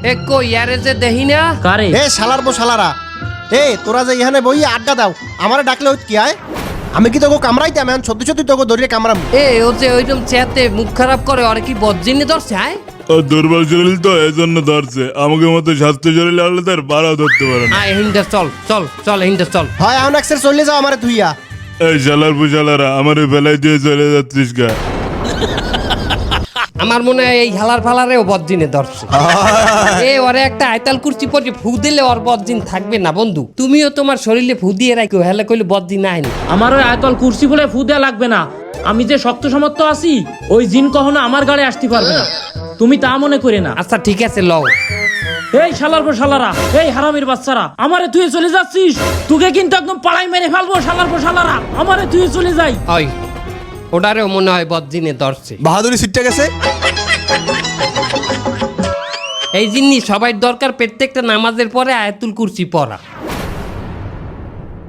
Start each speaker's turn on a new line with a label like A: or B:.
A: এ কই ইয়ারে যে দেহি না
B: কারে
C: এ শালার বো শালারা, এ তোরা যে এখানে বই আড্ডা দাও, আমারে ডাকলে হইত কি আয়? আমি কি তোকে কামড়াইতাম? এখন সত্যি সত্যি তোকে ধরিয়ে কামড়াম।
A: এ ও যে ওইরকম চেতে মুখ খারাপ করে আর কি বজ্জিনে ধরছে আয়
D: ও দুর্বল শরীর তো এই জন্য ধরছে, আমাকে মতো স্বাস্থ্য শরীর হলে তার বাড়াও ধরতে পারে না।
A: আয় হিন্দা চল চল চল হিন্দা চল।
C: হয় এখন একসের চলে যাও আমারে তুইয়া।
D: এই শালার পুশালারা আমার বেলায় দিয়ে চলে যাচ্ছিস গা।
A: আমার মনে হয় এই হালার ফালারেও বজ্জিনে ধরছে। এ ওরে একটা আয়তাল কুর্চি পরে ফু দিলে ওর বজ্জিন থাকবে না বন্ধু। তুমিও তোমার শরীরে ফু দিয়ে রাখো, হেলে কইলে বজ্জিন আইনি।
B: আমার ওই আয়তল কুর্সি বলে ফু দেয়া লাগবে না। আমি যে শক্ত সমর্থ আছি, ওই জিন কখনো আমার গাড়ি আসতে পারবে না, তুমি তা মনে করে না।
A: আচ্ছা ঠিক আছে লও।
B: এই শালার পর শালারা, এই হারামির বাচ্চারা, আমারে তুই চলে যাচ্ছিস, তোকে কিন্তু একদম পাড়াই মেরে ফেলবো। শালার পর শালারা, আমারে তুই চলে যাই।
A: ওই ওটারেও মনে হয় বজ্জিনে ধরছে।
E: বাহাদুরি সিটটা গেছে।
A: এই জিনিস সবাই দরকার প্রত্যেকটা নামাজের পরে আয়াতুল কুরসি পড়া।